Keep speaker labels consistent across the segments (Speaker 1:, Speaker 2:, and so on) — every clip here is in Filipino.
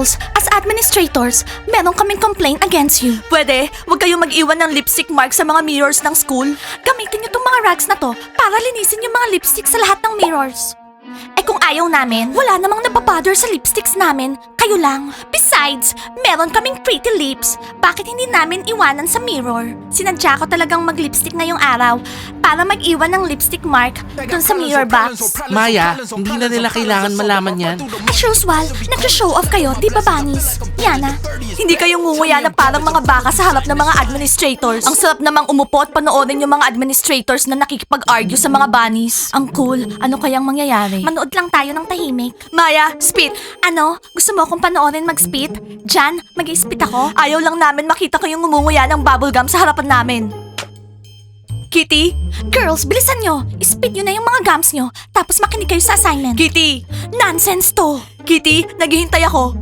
Speaker 1: Girls, as administrators, meron kaming complaint against you. Pwede, huwag kayong mag-iwan ng lipstick mark sa mga mirrors ng school. Gamitin niyo tong mga rags na to para linisin yung mga lipstick sa lahat ng mirrors. Eh kung ayaw namin, wala namang napapother sa lipsticks namin. Kayo lang. Besides, meron kaming pretty lips. Bakit hindi namin iwanan sa mirror? Sinadya ko talagang mag-lipstick ngayong araw para mag-iwan ng lipstick mark dun sa mirror box.
Speaker 2: Maya, hindi na nila kailangan malaman yan.
Speaker 1: As usual, nag-show off kayo, di ba, Bunnies? Yana, hindi kayo ngunguya na parang mga baka sa harap ng mga administrators. Ang sarap namang umupo at panoorin yung mga administrators na nakikipag-argue sa mga bunnies. Ang cool, ano kayang mangyayari? Manood lang tayo ng tahimik. Maya, spit! Ano? Gusto mo akong panoorin mag-spit? Jan, mag-spit ako? Ayaw lang namin makita kayong ngumunguya ng bubblegum sa harapan namin. Kitty? Girls, bilisan nyo! Spit nyo na yung mga gums nyo, tapos makinig kayo sa assignment. Kitty! Nonsense to! Kitty, naghihintay ako.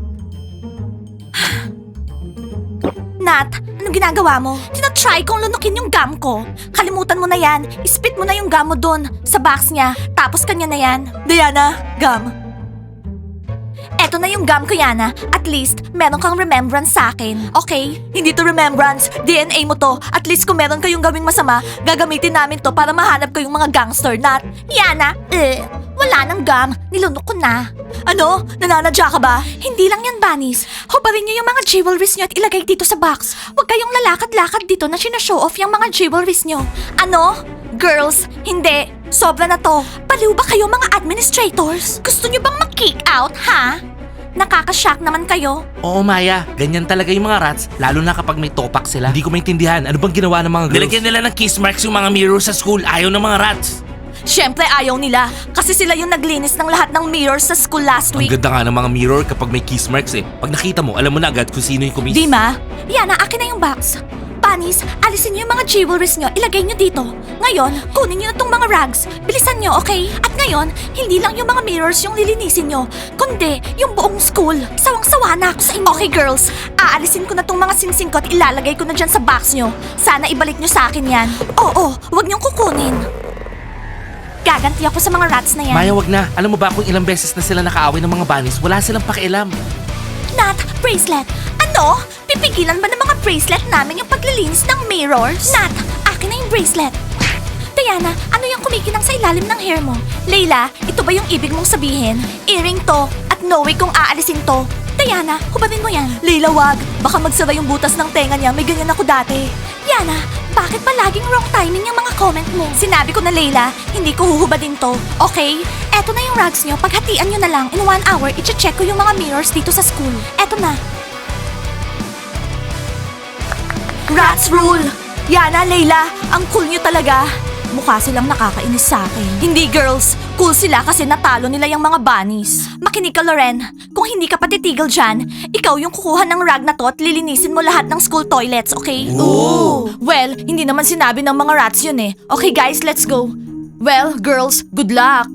Speaker 1: Nat, anong ginagawa mo? Tinatry kong lunukin yung gum ko. Kalimutan mo na yan. Spit mo na yung gum mo dun, sa box niya. Tapos kanya na yan. Diana, gum. Eto na yung gum ko, Yana. At least, meron kang remembrance sa akin. Okay? Hindi to remembrance. DNA mo to. At least kung meron kayong gawing masama, gagamitin namin to para mahanap kayong mga gangster, Nat. Yana, wala nang gum. Nilunok ko na. Ano? Nananadya ka ba? Hindi lang yan, Bunnies. Hubarin niyo yung mga jewelries niyo at ilagay dito sa box. Huwag kayong lalakad-lakad dito na sinashow off yung mga jewelries niyo. Ano? Girls, hindi. Sobra na to. Baliw ba kayo mga administrators? Gusto niyo bang mag-kick out, ha? Nakakashock naman kayo.
Speaker 2: Oo, Maya. Ganyan talaga yung mga rats, lalo na kapag may topak sila. Hindi ko maintindihan. Ano bang ginawa ng mga girls? Nilagyan nila ng kiss marks yung mga mirror sa school. Ayaw ng mga rats.
Speaker 1: Siyempre ayaw nila. Kasi sila yung naglinis ng lahat ng mirrors sa school last
Speaker 2: Ang
Speaker 1: week.
Speaker 2: ganda nga ng mga mirror kapag may kiss marks eh. Pag nakita mo, alam mo na agad kung sino yung kumis.
Speaker 1: Dima, Yana, akin na yung box. Bunnies, alisin niyo yung mga jewelries niyo, ilagay niyo dito. Ngayon, kunin niyo na tong mga rags. Bilisan niyo, okay? At ngayon, hindi lang yung mga mirrors yung lilinisin niyo, kundi yung buong school. Sawang-sawa na ako sa inyo. Okay, girls, aalisin ko na tong mga singsing ko at ilalagay ko na dyan sa box niyo. Sana ibalik niyo sa akin yan. Oo, wag niyong kukunin. Gaganti ako sa mga rats na yan.
Speaker 2: Maya, wag na. Alam mo ba kung ilang beses na sila nakaaway ng mga bunnies, wala silang pakialam.
Speaker 1: Nat, bracelet. Ano? Pipigilan ba ng mga bracelet namin yung paglilinis ng mirrors? Nat, akin na yung bracelet. Diana, ano yung kumikinang sa ilalim ng hair mo? Layla, ito ba yung ibig mong sabihin? Earring to, at no way kung aalisin to. Diana, hubarin mo yan. Layla, wag. Baka magsara yung butas ng tenga niya. May ganyan ako dati. Yana, bakit ba laging wrong timing yung mga comment mo? Sinabi ko na, Layla, hindi ko huhubadin to. Okay? Eto na yung rags nyo. Paghatian nyo na lang. In 1 hour, i-check ko yung mga mirrors dito sa school. Eto na. Rats rule! Yana, Layla, ang cool nyo talaga. Mukha silang nakakainis sa akin. Hindi, girls. Cool sila kasi natalo nila yung mga bunnies. Makinig ka, Loren. Kung hindi ka patitigil dyan, ikaw yung kukuha ng rag na to at lilinisin mo lahat ng school toilets, okay? Ooh! Well, hindi naman sinabi ng mga rats yun eh. Okay, guys, let's go. Well, girls, good luck.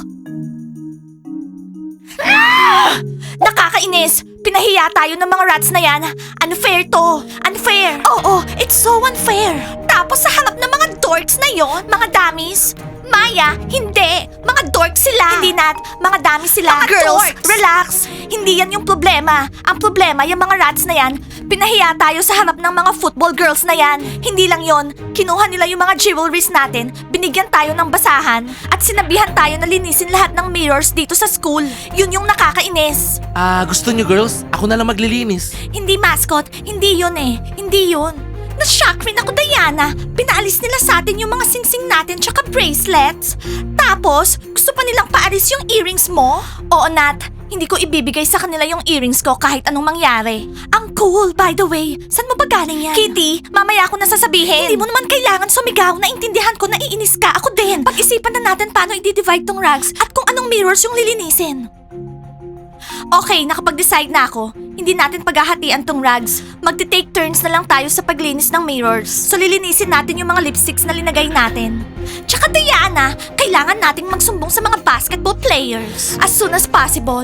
Speaker 1: Ah! Nakakainis! Pinahiya tayo ng mga rats na yan. Unfair to. Unfair. Oo, it's so unfair. Tapos sa harap ng mga dorks na yon, mga dummies. Maya, hindi. Mga dorks sila. Hindi, Nat. Mga dummies sila. Mga girls, dorks. Relax. Hindi yan yung problema. Ang problema, yung mga rats na yan, pinahiya tayo sa harap ng mga football girls na yan. Hindi lang yon. Kinuha nila yung mga jewelries natin, binigyan tayo ng basahan, at sinabihan tayo na linisin lahat ng mirrors dito sa school. Yun yung nakakainis.
Speaker 2: Gusto nyo girls? Ako na lang maglilinis.
Speaker 1: Hindi, mascot. Hindi yun eh. Hindi yun. Na-shock rin ako, Diana. Pinaalis nila sa atin yung mga singsing natin tsaka bracelets. Tapos, gusto pa nilang paalis yung earrings mo? Oo, Nat. Hindi ko ibibigay sa kanila yung earrings ko kahit anong mangyari. Ang cool, by the way. Saan mo ba galing yan? Kitty, mamaya ko na sasabihin. Hindi mo naman kailangan sumigaw. Naintindihan ko na iinis ka. Ako din. Pag-isipan na natin paano i-divide tong rags at kung anong mirrors yung lilinisin. Okay, nakapag-decide na ako. Hindi natin paghahatian tong rags. Magti-take turns na lang tayo sa paglinis ng mirrors. So lilinisin natin yung mga lipsticks na linagay natin. Tsaka Diana, kailangan nating magsumbong sa mga basketball players as soon as possible.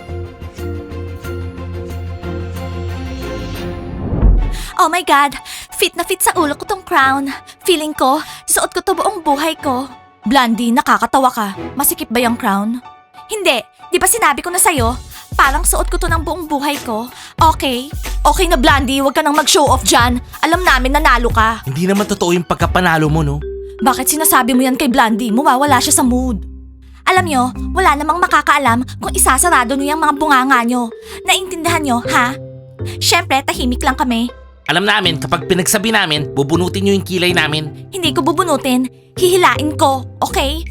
Speaker 1: Oh my God! Fit na fit sa ulo ko tong crown. Feeling ko, suot ko to buong buhay ko. Blondie, nakakatawa ka. Masikip ba yung crown? Hindi. Di ba sinabi ko na sa'yo? Parang suot ko to ng buong buhay ko. Okay? Okay na Blondie, huwag ka nang mag-show off dyan. Alam namin nanalo ka.
Speaker 2: Hindi naman totoo yung pagkapanalo mo, no?
Speaker 1: Bakit sinasabi mo yan kay Blondie? Mawawala siya sa mood. Alam nyo, wala namang makakaalam kung isasarado nyo yung mga bunganga nyo. Naintindihan nyo, ha? Siyempre, tahimik lang kami.
Speaker 2: Alam namin, kapag pinagsabi namin, bubunutin nyo yung kilay namin.
Speaker 1: Hindi ko bubunutin. Hihilain ko, okay?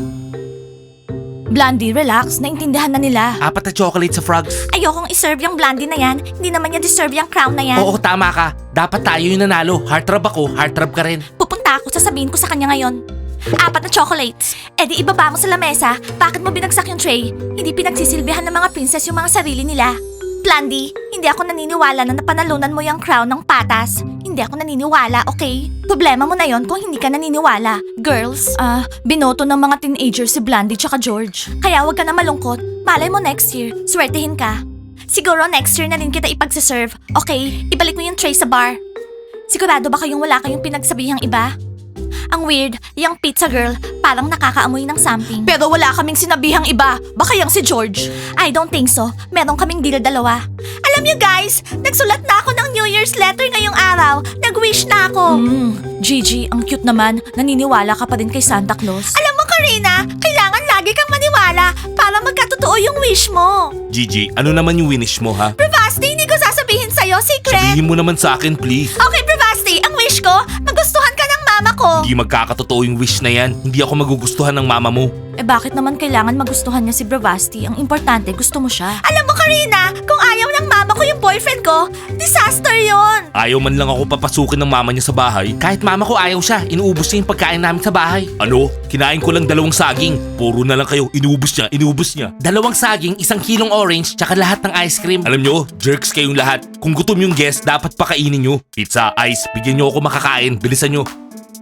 Speaker 1: Blondie, relax. Naintindihan na nila.
Speaker 2: 4 na chocolate sa frogs.
Speaker 1: Ayokong iserve yung Blondie na yan. Hindi naman niya deserve yung crown na yan.
Speaker 2: Oo, tama ka. Dapat tayo yung nanalo. Heartthrob ako, heartthrob ka rin.
Speaker 1: Pupunta ako, sasabihin ko sa kanya ngayon. 4 na chocolates. E di ibaba mo sa lamesa. Bakit mo binagsak yung tray? Hindi pinagsisilbihan ng mga princess yung mga sarili nila. Blondie, hindi ako naniniwala na napanalunan mo yung crown ng patas. Hindi ako naniniwala, okay? Problema mo na yon kung hindi ka naniniwala. Girls, binoto ng mga teenagers si Blondie tsaka George. Kaya wag ka na malungkot. Malay mo next year, swertehin ka. Siguro next year na rin kita ipagsaserve. Okay, ibalik mo yung tray sa bar. Sigurado ba kayong wala kayong pinagsabihang iba? Ang weird, yung pizza girl, parang nakakaamoy ng something. Pero wala kaming sinabihang iba. Baka yung si George. I don't think so. Meron kaming deal dalawa. Alam niyo guys, nagsulat na ako ng New Year's letter ngayong araw. Nag-wish na ako. Gigi, ang cute naman. Naniniwala ka pa rin kay Santa Claus. Alam mo Karina, kailangan lagi kang maniwala para magkatotoo yung wish mo.
Speaker 2: Gigi, ano naman yung winish mo, ha?
Speaker 1: Bravasti, hindi ko sasabihin sa'yo, secret.
Speaker 2: Sabihin mo naman sa akin, please.
Speaker 1: Okay, Bravasti, ang wish ko, magustuhan ka ng mama ko.
Speaker 2: Hindi magkakatotoo yung wish na yan. Hindi ako magugustuhan ng mama mo.
Speaker 1: Eh bakit naman kailangan magustuhan niya si Bravasti? Ang importante, gusto mo siya. Alam mo Karina, kung ayaw ng mama ko yung boyfriend ko, disaster yon.
Speaker 2: Ayaw man lang ako papasukin ng mama niya sa bahay. Kahit mama ko ayaw siya, inuubos niya yung pagkain namin sa bahay. Ano? Kinain ko lang 2 saging. Puro na lang kayo, inuubos niya, inuubos niya. 2 saging, 1 kilong orange, tsaka lahat ng ice cream. Alam nyo, jerks kayong lahat. Kung gutom yung guest, dapat pakainin nyo. Pizza, ice, bigyan nyo ako makakain. Bilisan nyo.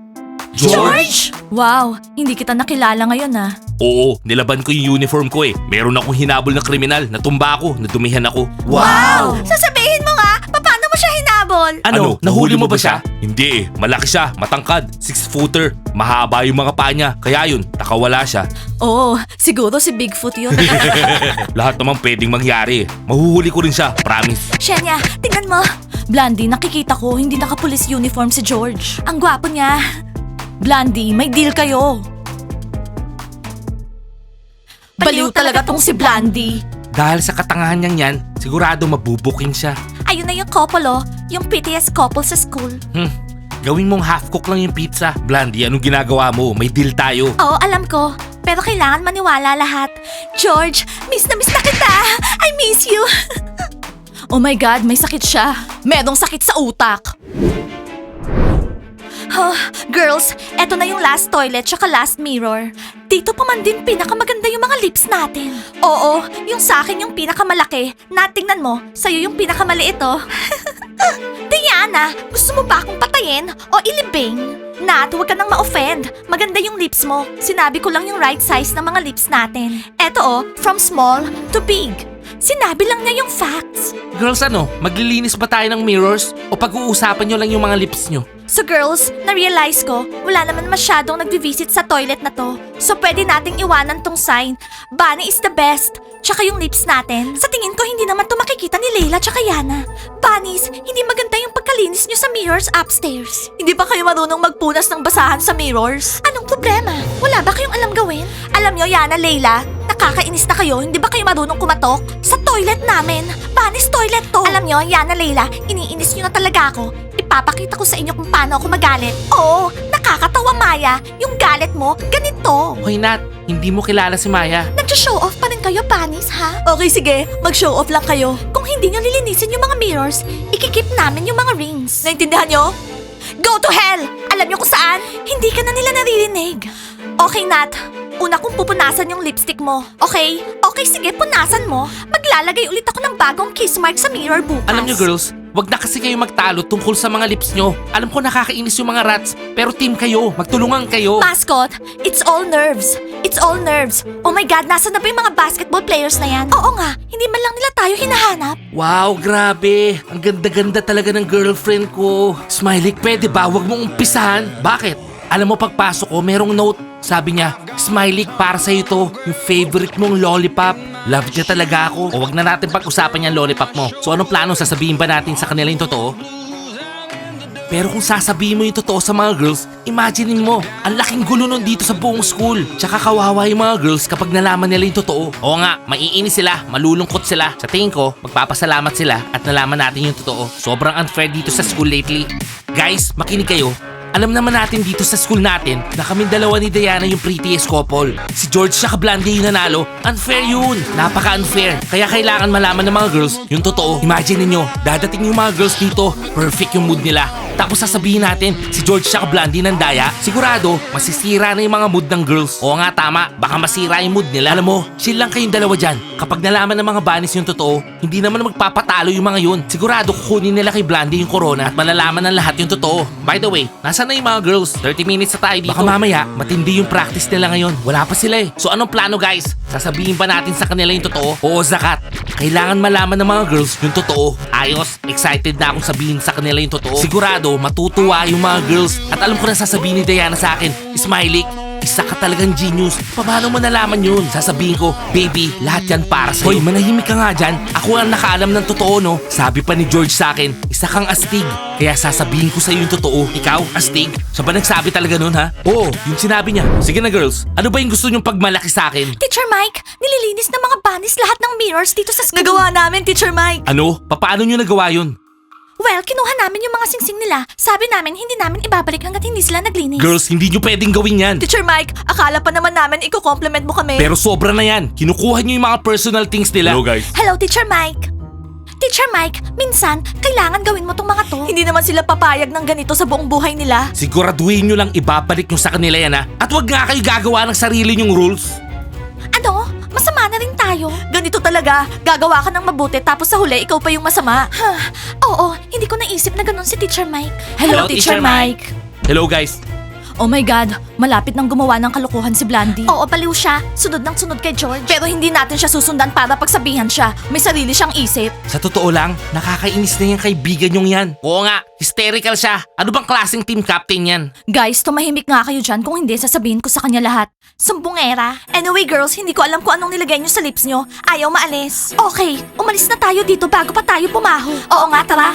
Speaker 2: George!
Speaker 1: Wow, hindi kita nakilala ngayon ah.
Speaker 2: Oo, nilaban ko yung uniform ko eh. Meron akong hinabol na kriminal, natumba ako, nadumihan ako.
Speaker 1: Sasabihin mo nga, paano mo siya hinabol?
Speaker 2: Ano? Nahuli mo ba siya? Hindi eh. Malaki siya, matangkad, 6-footer. Mahaba yung mga paa niya. Kaya yun, nakawala siya.
Speaker 1: Oo, siguro si Bigfoot yun.
Speaker 2: Lahat naman pwedeng mangyari eh. Mahuhuli ko rin siya, promise.
Speaker 1: Shenya, tingnan mo. Blondie, nakikita ko hindi naka-police uniform si George. Ang gwapo niya. Blondie, may deal kayo. Baliw talaga tong si Blondie.
Speaker 2: Dahil sa katangahan niyang yan, sigurado mabubuking siya.
Speaker 1: Ayun na yung couple oh, yung prettiest couple sa school.
Speaker 2: Gawin mong half-cook lang yung pizza. Blondie, anong ginagawa mo? May deal tayo.
Speaker 1: Oo, alam ko. Pero kailangan maniwala lahat. George, miss na kita. I miss you. Oh my God, may sakit siya. Merong sakit sa utak. Girls, eto na yung last toilet tsaka last mirror. Dito pa man din pinakamaganda yung mga lips natin. Oo, yung sa akin yung pinakamalaki. Natingnan mo, sa'yo yung pinakamaliit oh. Diana, gusto mo ba akong patayin o ilibing? Nat, huwag ka nang ma-offend. Maganda yung lips mo. Sinabi ko lang yung right size ng mga lips natin. Eto oh, from small to big. Sinabi lang niya yung facts.
Speaker 2: Girls, ano? Maglilinis ba tayo ng mirrors? O pag-uusapan nyo lang yung mga lips nyo?
Speaker 1: So girls, na-realize ko, wala naman masyadong nagvi-visit sa toilet na to. So pwede nating iwanan tong sign. Bunny is the best. Tsaka yung lips natin. Sa tingin ko, hindi naman to makikita ni Leila tsaka Yana. Bunnies, hindi maganda yung pagkalinis nyo sa mirrors upstairs. Hindi ba kayo marunong magpunas ng basahan sa mirrors? Anong problema? Wala ba kayong alam gawin? Alam nyo, Yana, Leila, nakakainis na kayo. Hindi ba kayo marunong kumatok? Sa toilet namin. Bunnies toilet to. Alam nyo, Yana, Leila, iniinis nyo na talaga ako. Ipapakita ko sa inyo kung paano ako magalit. Oo, nakakatawa Maya. Yung galit mo, ganito.
Speaker 2: Hoy Nat, hindi mo kilala si Maya.
Speaker 1: Nag-show off pa rin kayo, Panis, ha? Okay, sige. Mag-show off lang kayo. Kung hindi nyo lilinisin yung mga mirrors, ikikip namin yung mga rings. Naintindihan nyo? Go to hell! Alam nyo kung saan? Hindi ka na nila naririnig. Okay, Nat. Una kong pupunasan yung lipstick mo. Okay? Okay, sige, punasan mo. Maglalagay ulit ako ng bagong kiss mark sa mirror bukas.
Speaker 2: Alam nyo girls, Wag na kasi kayo magtalo tungkol sa mga lips nyo. Alam ko nakakainis yung mga rats, pero team kayo. Magtulungan kayo.
Speaker 1: Mascot, it's all nerves. It's all nerves. Oh my God, nasa na ba yung mga basketball players na yan? Oo nga, hindi man lang nila tayo hinahanap.
Speaker 2: Wow, grabe. Ang ganda-ganda talaga ng girlfriend ko. Smiley, pwede ba? Huwag mong umpisahan. Bakit? Alam mo, pagpasok ko, merong note. Sabi niya, Smiley, para sa'yo to. Yung favorite mong lollipop. Love niya talaga ako. O wag na natin pag-usapan yung lollipop mo. So anong plano? Sasabihin ba natin sa kanila yung totoo? Pero kung sasabihin mo yung totoo sa mga girls, imaginein mo, ang laking gulo nun dito sa buong school. Tsaka kawawa yung mga girls kapag nalaman nila yung totoo. Oo nga, maiinis sila, malulungkot sila. Sa tingin ko, magpapasalamat sila at nalaman natin yung totoo. Sobrang unfair dito sa school lately. Guys, makinig kayo. Alam naman natin dito sa school natin na kaming dalawa ni Diana yung prettiest couple. Si George siya Blondie yung nanalo. Unfair yun. Napaka-unfair. Kaya kailangan malaman ng mga girls yung totoo. Imagine niyo, dadating yung mga girls dito. Perfect yung mood nila. Tapos sasabihin natin, si George siya Blondie ng daya. Sigurado, masisira na yung mga mood ng girls. Oo nga, tama. Baka masira yung mood nila. Alam mo, chill lang kayong dalawa dyan. Kapag nalaman ng mga bunnies yung totoo, hindi naman magpapatalo yung mga yun. Sigurado kukunin nila kay Blondie yung corona at malalaman ng lahat yung totoo. By the way, nasaan na yung mga girls? 30 minutes na tayo dito. Baka mamaya, matindi yung practice nila ngayon. Wala pa sila eh. So anong plano guys? Sasabihin ba natin sa kanila yung totoo? Oo, Zakat. Kailangan malaman ng mga girls yung totoo. Ayos, excited na akong sabihin sa kanila yung totoo. Sigurado, matutuwa yung mga girls. At alam ko na sasabihin ni Diana sa akin, Smiley, isa ka talagang genius. Paano mo nalaman yun? Sasabihin ko, baby, lahat yan para sa'yo. Hoy, manahimik ka nga dyan. Ako ang nakaalam ng totoo, no? Sabi pa ni George sa akin, isa kang astig. Kaya sasabihin ko sa'yo yung totoo. Ikaw, astig? Siya ba nagsabi talaga nun, ha? Oo, yung sinabi niya. Sige na, girls. Ano ba yung gusto niyong pagmalaki sa akin?
Speaker 1: Teacher Mike, nililinis ng mga bunnies lahat ng mirrors dito sa school. Nagawa namin, Teacher Mike.
Speaker 2: Ano? Paano niyo nagawa yun?
Speaker 1: Well, kinuha namin yung mga singsing nila. Sabi namin, hindi namin ibabalik hanggat hindi sila naglinis.
Speaker 2: Girls, hindi niyo pwedeng gawin yan.
Speaker 1: Teacher Mike, akala pa naman namin i-compliment mo kami.
Speaker 2: Pero sobra na yan. Kinukuha niyo yung mga personal things nila. Hello, guys.
Speaker 1: Hello, Teacher Mike. Teacher Mike, minsan, kailangan gawin mo tong mga to. Hindi naman sila papayag ng ganito sa buong buhay nila.
Speaker 2: Siguraduhin niyo lang ibabalik niyo sa kanila yan, ha? At wag nga kayo gagawa ng sarili niyong rules.
Speaker 1: Ano? Masama na rin tayo. Ganito talaga. Gagawa ka ng mabuti tapos sa huli ikaw pa yung masama. Oo, hindi ko naisip na ganun si Teacher Mike.
Speaker 2: Hello, Teacher Mike. Hello, guys.
Speaker 1: Oh my God, malapit nang gumawa ng kalokohan si Blondie. Oo, baliw siya. Sunod ng sunod kay George. Pero hindi natin siya susundan para pagsabihan siya. May sarili siyang isip.
Speaker 2: Sa totoo lang, nakakainis na yung kaibigan yung yan. Oo nga, hysterical siya. Ano bang klaseng team captain yan?
Speaker 1: Guys, tumahimik nga kayo dyan kung hindi sasabihin ko sa kanya lahat. Sumbongera. Anyway girls, hindi ko alam kung anong nilagay nyo sa lips nyo. Ayaw maalis. Okay, umalis na tayo dito bago pa tayo pumaho. Oo nga, tara.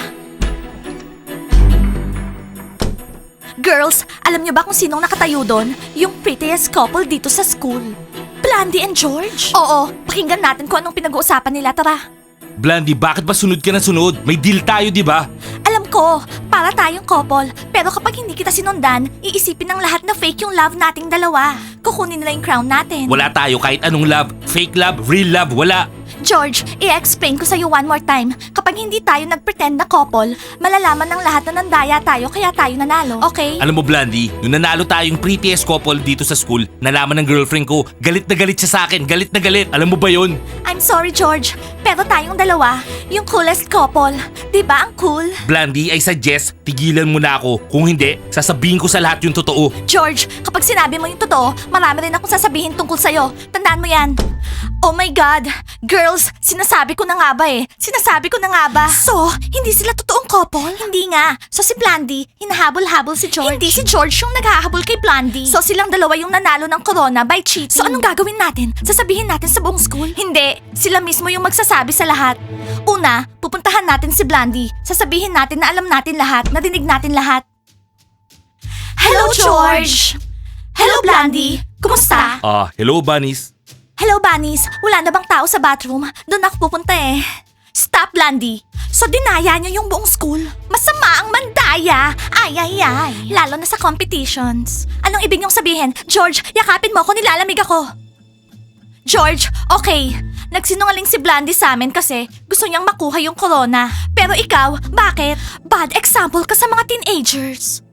Speaker 1: Girls, alam niyo ba kung sinong nakatayo doon? Yung prettiest couple dito sa school. Blondie and George? Oo, pakinggan natin kung anong pinag-uusapan nila, tara.
Speaker 2: Blondie, bakit ba sunod ka na sunod? May deal tayo, di ba?
Speaker 1: Alam ko, para tayong couple. Pero kapag hindi kita sinundan, iisipin ng lahat na fake yung love nating dalawa. Kukunin nila yung crown natin.
Speaker 2: Wala tayo kahit anong love. Fake love, real love, wala.
Speaker 1: George, i-explain ko sa'yo one more time. Kapag hindi tayo nag-pretend na couple, malalaman ng lahat na nandaya tayo kaya tayo nanalo, okay?
Speaker 2: Alam mo, Blondie, nung nanalo tayong prettiest couple dito sa school, nalaman ng girlfriend ko, galit na galit siya sa akin, galit na galit. Alam mo ba yun?
Speaker 1: I'm sorry, George. Pero tayong dalawa, yung coolest couple. Di ba ang cool?
Speaker 2: Blondie, I suggest, tigilan mo na ako. Kung hindi, sasabihin ko sa lahat yung totoo.
Speaker 1: George, kapag sinabi mo yung totoo, marami rin akong sasabihin tungkol sa'yo. Tandaan mo yan. Oh my God! Girls, sinasabi ko na nga ba eh. Sinasabi ko na nga ba? So, hindi sila totoong couple? Hindi nga. So si Blondie, hinahabol-habol si George. Hindi si George yung naghahabol kay Blondie. So silang dalawa yung nanalo ng corona by cheating. So anong gagawin natin? Sasabihin natin sa buong school? Hindi. Sila mismo yung magsasabi sa lahat. Una, pupuntahan natin si Blondie. Sasabihin natin na alam natin lahat, narinig natin lahat. Hello, George! Hello, Blondie! Kumusta?
Speaker 2: Hello, bunnies.
Speaker 1: Hello, Bunnies. Wala na bang tao sa bathroom? Doon ako pupunta eh. Stop, Blondie. So, dinaya niyo yung buong school? Masama ang mandaya. Ay, ay, ay. Lalo na sa competitions. Anong ibig niyong sabihin? George, yakapin mo ako, nilalamig ako. George, okay. Nagsinungaling si Blondie sa amin kasi gusto niyang makuha yung corona. Pero ikaw, bakit? Bad example ka sa mga teenagers.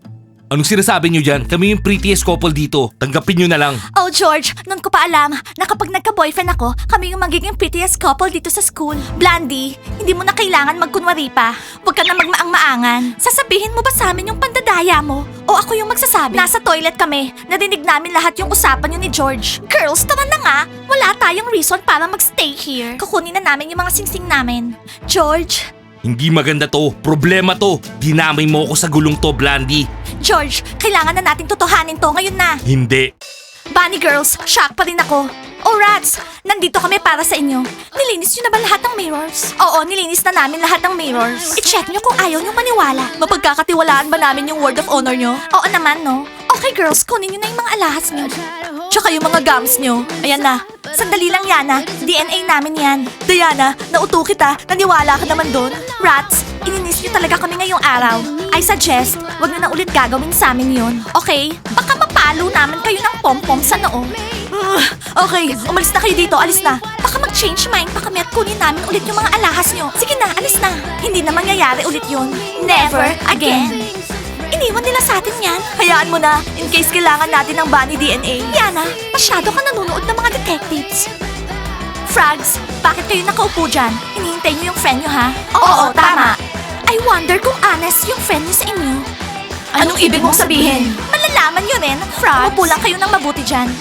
Speaker 2: Anong sinasabi nyo dyan? Kami yung prettiest couple dito. Tanggapin nyo na lang.
Speaker 1: Oh, George, nun ko pa alam na kapag nagka-boyfriend ako, kami yung magiging prettiest couple dito sa school. Blandy, hindi mo na kailangan magkunwari pa. Huwag ka na magmaang-maangan. Sasabihin mo ba sa amin yung pandadaya mo? O ako yung magsasabi? Nasa toilet kami. Narinig namin lahat yung usapan yun ni George. Girls, tama na nga. Wala tayong reason para magstay here. Kukunin na namin yung mga singsing namin. George?
Speaker 2: Hindi maganda to. Problema to. Dinamay mo ako sa gulong to, Blandy.
Speaker 1: George, kailangan na nating totohanin to ngayon na.
Speaker 2: Hindi.
Speaker 1: Bunny girls, shock pa rin ako. Oh rats, nandito kami para sa inyo. Nilinis nyo na ba lahat ng mirrors? Oo, nilinis na namin lahat ng mirrors. I-check nyo kung ayaw nyo maniwala. Mapagkakatiwalaan ba namin yung word of honor nyo? Oo naman, no? Okay girls, kunin nyo na yung mga alahas nyo. Tsaka yung mga gums nyo. Ayan na. Sandali lang, Yana. DNA namin yan. Diana, nauto kita. Naniwala ka naman doon. Rats, ininis nyo talaga kami ngayong araw. I suggest, wag nyo na ulit gagawin sa amin yun. Okay? Baka mapalo naman kayo ng pom-pom sa noo. Okay, umalis na kayo dito. Alis na. Baka mag-change mind pa kami at kunin namin ulit yung mga alahas nyo. Sige na, alis na. Hindi na mangyayari ulit yun. Never again. Iniwan nila sa atin yan. Hayaan mo na, in case kailangan natin ng bunny DNA. Yana, masyado ka nanonood ng mga detectives. Frogs, bakit kayo nakaupo dyan? Hinihintay niyo yung friend niyo, ha? Oo, tama. I wonder kung honest yung friend niyo sa inyo. Anong ibig mong sabihin? Malalaman niyo rin, Frogs. Umupo lang kayo ng mabuti dyan.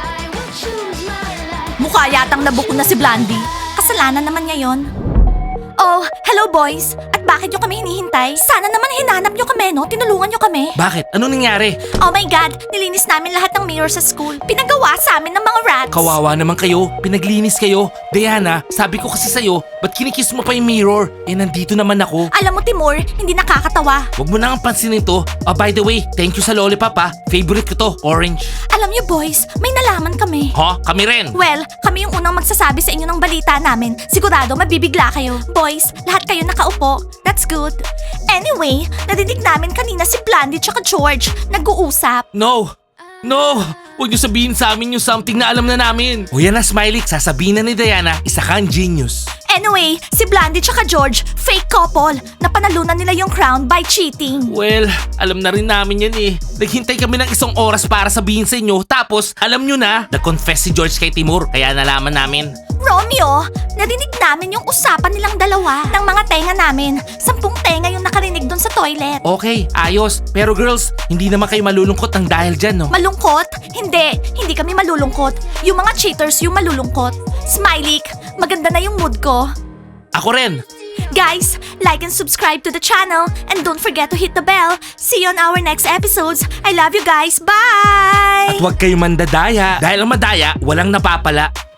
Speaker 1: Mukha yatang nabuko na si Blandy. Kasalanan naman niya yon. Oh, hello boys. At bakit nyo kami hinihintay? Sana naman hinanap nyo kami, no? Tinulungan nyo kami.
Speaker 2: Bakit? Ano nangyari?
Speaker 1: Oh my God, nilinis namin lahat ng mirror sa school. Pinagawa sa amin ng mga rats.
Speaker 2: Kawawa naman kayo. Pinaglinis kayo. Diana, sabi ko kasi sa'yo, ba't kinikiss mo pa yung mirror? Eh, nandito naman ako.
Speaker 1: Alam mo, Timur, hindi nakakatawa.
Speaker 2: Huwag mo na ang pansinin to. Oh, by the way, thank you sa lollipop ha. Favorite ko to, orange.
Speaker 1: Alam nyo boys, may nalaman kami.
Speaker 2: Ha? Kami rin.
Speaker 1: Well, kami yung unang magsasabi sa inyo ng balita namin. Sigurado mabibigla kayo. Boys, lahat kayo nakaupo. That's good. Anyway, narinig namin kanina si Blandy tsaka George nag-uusap.
Speaker 2: No! No! Huwag niyo sabihin sa amin yung something na alam na namin. O yan na, Smiley. Sasabihin na ni Diana, isa kang genius.
Speaker 1: Anyway, si Blandy tsaka George, fake couple. Napanalunan nila yung crown by cheating.
Speaker 2: Well, alam na rin namin yan eh. Naghintay kami ng isang oras para sabihin sa inyo. Tapos, alam nyo na, nag-confess si George kay Timur. Kaya nalaman namin.
Speaker 1: Romeo, narinig namin yung usapan nilang dalawa ng mga tenga namin. 10 tenga yung nakarinig doon sa toilet.
Speaker 2: Okay, ayos. Pero girls, hindi naman kayo malulungkot ng dahil dyan, no?
Speaker 1: Malungkot? Hindi kami malulungkot. Yung mga cheaters yung malulungkot. Smiley, maganda na yung mood ko.
Speaker 2: Ako rin.
Speaker 1: Guys, like and subscribe to the channel and don't forget to hit the bell. See you on our next episodes. I love you guys. Bye!
Speaker 2: At huwag kayo mandadaya. Dahil ang madaya, walang napapala.